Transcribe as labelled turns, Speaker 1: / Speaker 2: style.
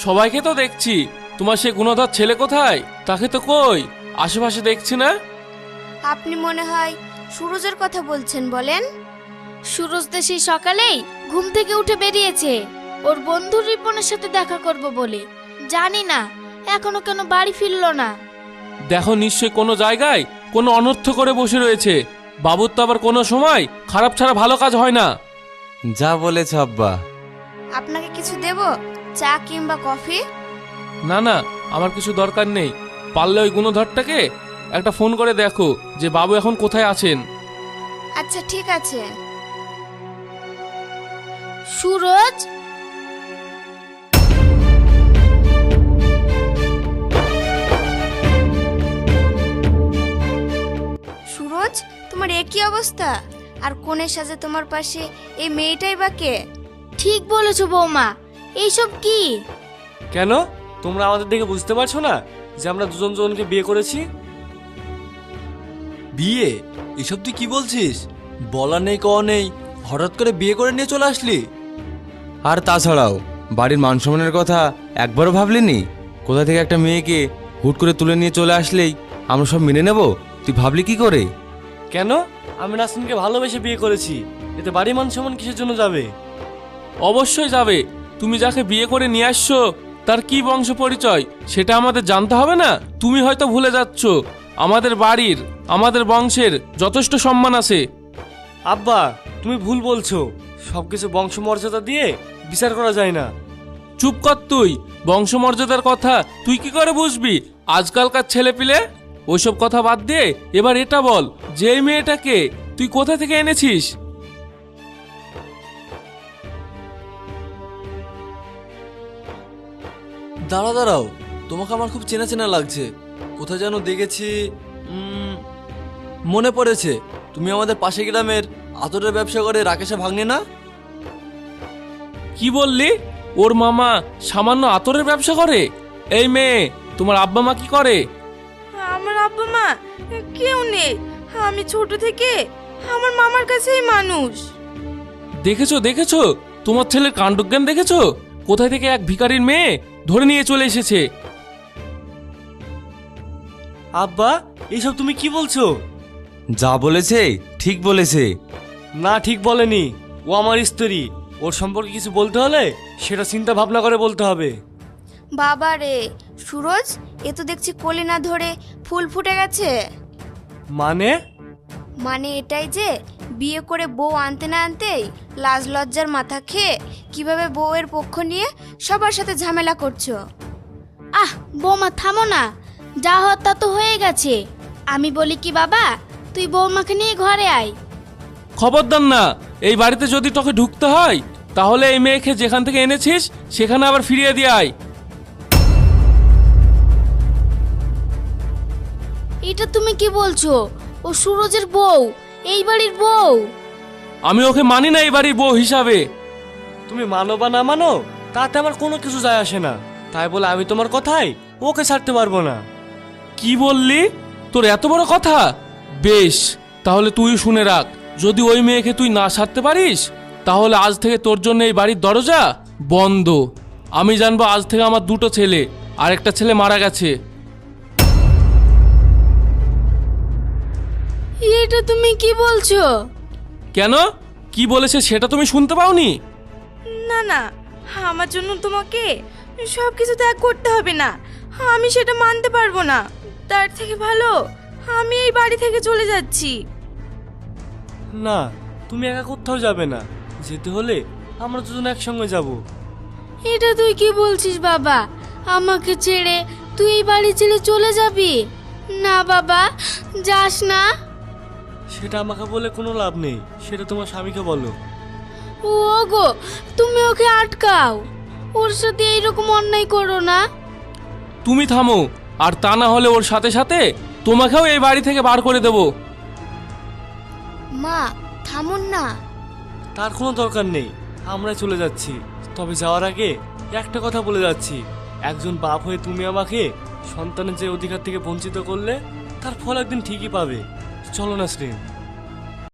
Speaker 1: সবাইকে তো দেখছি, তোমার সে গুণধর ছেলে কোথায়? তাকে তো কই আশেপাশে দেখছি না।
Speaker 2: আপনি মনে হয় সুরজের কথা বলছেন, বলেন।
Speaker 3: সুরজ তো সেই সকালেই ঘুম থেকে উঠে বেরিয়েছে ওর বন্ধু রিপনের সাথে দেখা করব বলে। জানি না এখনো কেন বাড়ি ফিরলো না।
Speaker 1: দেখো, নিশ্চয় কোনো জায়গায় কোনো অনর্থ করে বসে রয়েছে। বাবুর তো আবার কোনো সময় খারাপ ছাড়া ভালো কাজ হয় না।
Speaker 4: যা বলেছ আব্বা।
Speaker 2: আপনাকে কিছু দেব, চা কিংবা কফি?
Speaker 1: না না, আমার কিছু দরকার নেই। পারলে ওই গুণধরটাকে একটা ফোন করে দেখো যে বাবু এখন কোথায় আছেন।
Speaker 2: আচ্ছা ঠিক আছে।
Speaker 3: সুরজ,
Speaker 2: সুরজ, তোমার একই অবস্থা, আর কোণের সাজে তোমার পাশে এই মেয়েটাই বা কে?
Speaker 3: ঠিক বলেছো বৌমা। এইসব কি?
Speaker 5: কেন তোমরা আমাদের দেখে বুঝতে পারছো না যে আমরা দুজন দুজনকে বিয়ে করেছি?
Speaker 4: বিয়ে? এসব তুই কি বলছিস? বলা নেই কওয়া নেই, হঠাৎ করে বিয়ে করে নিয়ে চলে আসলি। আর তাছাড়াও বাড়ির মান সম্মানের কথা একবারও ভাবলিনি? কোথা থেকে একটা মেয়েকে হুট করে তুলে নিয়ে চলে আসলেই আমরা সব মেনে নেব? তুই ভাবলি কি করে?
Speaker 5: কেন? আমি নাসরিনকে ভালোবেসে বিয়ে করেছি, এতে বাড়ি মান সম্মান কিসের জন্য যাবে?
Speaker 1: অবশ্যই যাবে। তুমি যাকে বিয়ে করে নিয়ে আসছো তার কি বংশ পরিচয় সেটা আমাদের জানতে হবে না? তুমি হয়তো ভুলে যাচ্ছ আমাদের বাড়ির, আমাদের বংশের যথেষ্ট সম্মান আছে।
Speaker 5: আব্বা, তুমি ভুল বলছো। সবকিছু বংশমর্যাদা দিয়ে বিচার করা যায় না।
Speaker 1: চুপ কর তুই। বংশমর্যাদার কথা তুই কি করে বুঝবি? আজকালকার ছেলে পিলে ওইসব কথা বাদ দিয়ে এবার এটা বল যে এই মেয়েটাকে তুই কোথা থেকে এনেছিস?
Speaker 4: দাঁড়াও, তোমাকে আমার খুব চেনা চেনা লাগছে। কোথায় যেন দেখেছি। মনে পড়েছে, তুমি আমাদের পাশে গ্রামের আতরের ব্যবসা করে রাকেশা ভাগ্নে না?
Speaker 1: কি বললি? ওর মামা সামান্য আতরের ব্যবসা করে? এই মেয়ে, তোমার আব্বা মা কি করে?
Speaker 6: আমার আব্বা মা কেউ নেই। আমি ছোট থেকে আমার মামার কাছেই মানুষ।
Speaker 1: দেখেছো দেখেছো, তোমার ছেলের কাণ্ডজ্ঞান দেখেছো? কোথায় থেকে এক ভিখারির মেয়ে ধরে নিয়ে চলে এসেছে।
Speaker 5: আব্বা, এইসব তুমি কি বলছো?
Speaker 4: যা বলেছে ঠিক বলেছে।
Speaker 5: না, ঠিক বলেনি। ও আমার স্ত্রী। ওর সম্পর্কে কিছু বলতে হলে সেটা চিন্তা ভাবনা করে বলতে হবে।
Speaker 2: বাবা রে সুরজ, এ তো দেখছি কলি না ধরে ফুল ফুটে গেছে।
Speaker 5: মানে?
Speaker 2: মানে এটাই যে বিয়ে করে বউ আনতে না আনতেই লাজ লজ্জার মাথা খেয়ে কিভাবে বউয়ের পক্ষ নিয়ে সবার সাথে ঝামেলা করছো।
Speaker 3: আহ বৌমা থামো না। যা হওয়ার তা তো হয়ে গেছে। আমি বলি কি বাবা, তুই বৌমাকে নিয়ে ঘরে আয়।
Speaker 1: খবরদার না, এই বাড়িতে যদি তোকে ঢুকতে হয় তাহলে এই মেয়েকে যেখান থেকে এনেছিস সেখানে আবার ফিরিয়ে দিয়ে আয়।
Speaker 3: এটা তুমি কি বলছো? ও সুরজের বউ, এই বাড়ির বউ।
Speaker 1: আমি ওকে মানি না এই বাড়ির বউ হিসাবে।
Speaker 5: তুমি মানো বা না মানো তাতে আমার কোনো কিছু যায় আসে না। তাই বলে আমি তোমার কথাই ওকে ছাড়তে পারবো না।
Speaker 1: কি বললি? তোর এত বড় কথা? বেশ, তাহলে তুই শুনে রাখ, যদি ওই মেয়েকে তুই না ছাড়তে পারিস তাহলে আজ থেকে তোর জন্য এই বাড়ির দরজা বন্ধ। আমি জানবো আজ থেকে আমার দুটো ছেলে, আর একটা ছেলে মারা গেছে।
Speaker 3: এটা তুমি কি বলছো?
Speaker 1: কেন? কি বলেছে সেটা তুমি শুনতে পাওনি?
Speaker 6: না না, আমার জন্য তোমাকে সব কিছু ত্যাগ করতে হবে না। আমি সেটা মানতে পারবো না। তার থেকে ভালো আমি এই বাড়ি থেকে চলে যাচ্ছি।
Speaker 5: না, তুমি একা কোথাও যাবে না। যেতে হলে আমরা দুজন একসঙ্গে যাব।
Speaker 3: এটা তুই কি বলছিস বাবা? আমাকে ছেড়ে তুই এই বাড়ি ছেড়ে চলে যাবি? না বাবা, যাস না।
Speaker 5: সেটা আমাকে বলে কোনো লাভ নেই, সেটা তোমার স্বামীকে বলো।
Speaker 3: ও গো, তুমি ওকে আটকাও। ওর সাথে এইরকম অন্যায় করো না।
Speaker 1: তুমি থামো, আর তা না হলে ওর সাথে সাথে তোমাকেও এই বাড়ি থেকে বার করে দেব।
Speaker 2: মা থামুন না।
Speaker 5: তার কোনো দরকার নেই, আমরা চলে যাচ্ছি। তবে যাওয়ার আগে একটা কথা বলে যাচ্ছি, একজন বাপ হয়ে তুমি আমাকে সন্তানের যে অধিকার থেকে বঞ্চিত করলে তার ফল একদিন ঠিকই পাবে। চলো নাসরিন।